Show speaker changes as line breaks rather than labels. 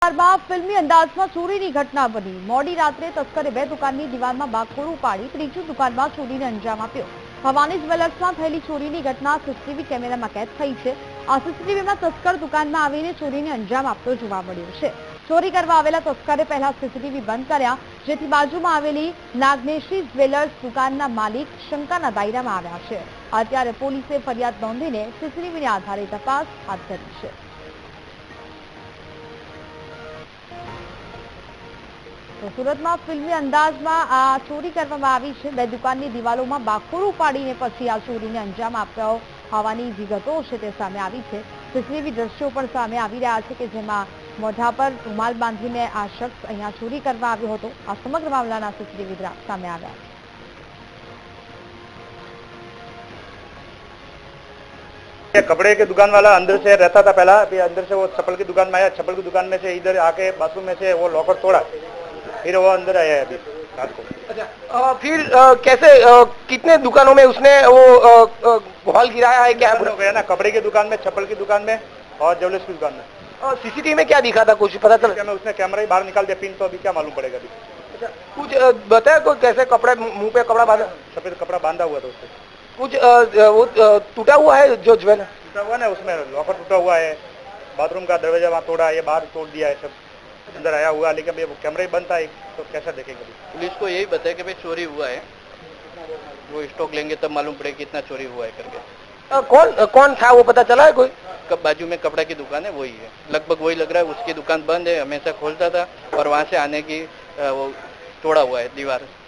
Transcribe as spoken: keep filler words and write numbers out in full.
फिल्मी अंदाज में चोरी की घटना बनी। मोडी रात्रे तस्करे बे दुकाननी दीवारमां बागखोड़ू पाड़ी त्रीजी दुकानमां चोरीने अंजाम आप्यो। भवानी ज्वेलर्समां थयेली चोरीनी घटना सीसीटीवी केमेरामां कैद थई छे। आ सीसीटीवीमां तस्कर दुकानमां आवीने चोरीने अंजाम आपतो जोवा मळ्यो छे। चोरी करवा आवेला तस्करे पहेला सीसीटीवी बंद कर्या, जेथी बाजुमां आवेली नागनेशी ज्वेलर्स दुकानना मालिक शंकाना दायरामां આવ્યા છે। અત્યારે પોલીસે ફરિયાદ નોંધીને સીસીટીવીને આધારે તપાસ હાથ ધરી છે। तो सूरत में फिल्मी अंदाज में आ चोरी करवामां आवी छे। बे दुकाननी दीवालोमां बागखोड़ू पाड़ीने पछी आ चोरीने अंजाम आप्यो होवानी विगतो छे ते सामे आवी छे। सीसीटीवी दृश्यो पण सामे आवी रह्या छे के जेमां मोढा पर रुमाल बांधीने आ शख्स अहींया चोरी करवा आव्यो हतो। आ समग्र मामलाना सीसीटीवी सामे आव्या।
कपड़े की दुकान वाला अंदर से रहता था पहला, फिर अंदर से वो चप्पल की दुकान में आया, चप्पल की दुकान में से इधर आके बाथरूम में से वो लॉकर तोड़ा, फिर वो अंदर आया है अभी रात को।
अच्छा, आ, फिर आ, कैसे आ, कितने दुकानों में उसने वो हॉल गिराया है? क्या
हो गया ना, कपड़े की दुकान में, चप्पल की दुकान में और ज्वेलर्स की दुकान में।
सीसीटीवी में क्या दिखा था, कुछ पता चला?
उसने कैमरा ही बाहर निकाल दिया, पिन तो अभी क्या मालूम पड़ेगा अभी।
अच्छा, कुछ बताया कोई कैसे कपड़े मुंह पे कपड़ा बांधा?
सफेद कपड़ा बांधा हुआ था उससे।
कुछ आ, वो टूटा हुआ है जो ज्वेलर
टूटा हुआ ना, उसमें लॉकर टूटा हुआ है, बाथरूम का दरवाजा वहाँ तोड़ा, ये बाहर तोड़ दिया है, सब अंदर आया हुआ, लेकिन वो कैमरा ही बंद था तो कैसा देखेंगे।
पुलिस को यही बताया कि भाई चोरी हुआ है, वो स्टॉक लेंगे तब मालूम पड़ेगा कितना चोरी हुआ है करके।
आ, कौन कौन था वो पता चला है कोई?
कब बाजू में कपड़ा की दुकान है, वही है, लगभग वही लग रहा है। उसकी दुकान बंद है, हमेशा खोलता था और वहाँ से आने की वो तोड़ा हुआ है दीवार।